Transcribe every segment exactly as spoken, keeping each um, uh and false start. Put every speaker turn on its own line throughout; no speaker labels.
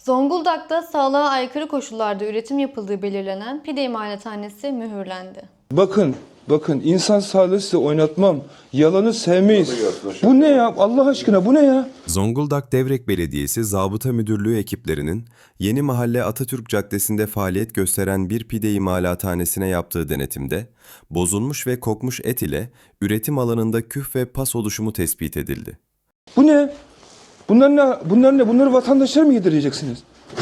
Zonguldak'ta sağlığa aykırı koşullarda üretim yapıldığı belirlenen pide imalathanesi mühürlendi.
Bakın, bakın insan sağlığı size oynatmam. Yalanı sevmeyiz. Bu ne ya? Allah aşkına bu ne ya?
Zonguldak Devrek Belediyesi Zabıta Müdürlüğü ekiplerinin Yeni Mahalle Atatürk Caddesi'nde faaliyet gösteren bir pide imalathanesine yaptığı denetimde bozulmuş ve kokmuş et ile üretim alanında küf ve pas oluşumu tespit edildi.
Bu ne? Bunlar ne? Bunlar ne? Bunları vatandaşlara mı yedireceksiniz?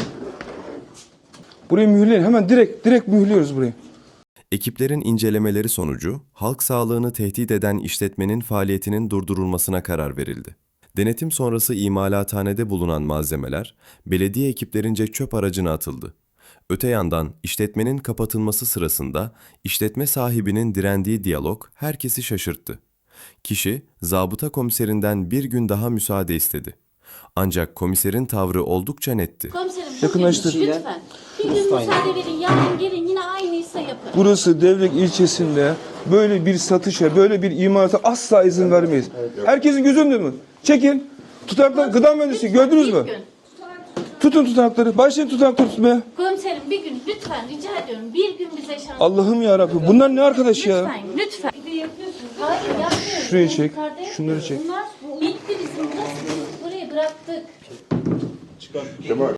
Burayı mühürleyin. Hemen direkt direkt mühürlüyoruz burayı.
Ekiplerin incelemeleri sonucu halk sağlığını tehdit eden işletmenin faaliyetinin durdurulmasına karar verildi. Denetim sonrası imalathanede bulunan malzemeler belediye ekiplerince çöp aracına atıldı. Öte yandan işletmenin kapatılması sırasında işletme sahibinin direndiği diyalog herkesi şaşırttı. Kişi zabıta komiserinden bir gün daha müsaade istedi. Ancak komiserin tavrı oldukça netti.
Komiserim
Yakınlaştır.
bugün lütfen. Bir gün müsaade verin. Yarın gelin yine aynıysa yapın.
Burası Devrek ilçesinde böyle bir satışa, böyle bir imalata asla izin vermeyiz. Herkesin gözü önünde mi? Çekin. Tutanaklar, gıda mühendisi gördünüz mü?
Bir gün.
Tutun tutanakları. Başlayın tutanakları tutmaya.
Komiserim bir gün lütfen rica ediyorum. Bir gün bize şans.
Allah'ım ya Rabbim. Bunlar ne arkadaş ya?
Lütfen lütfen. Hayır yapmıyoruz.
Şurayı çek,
Yukarıda yapıyoruz.
şunları çek.
Bunlar bitti bizim. Burası. Burayı bıraktık.
Kemal.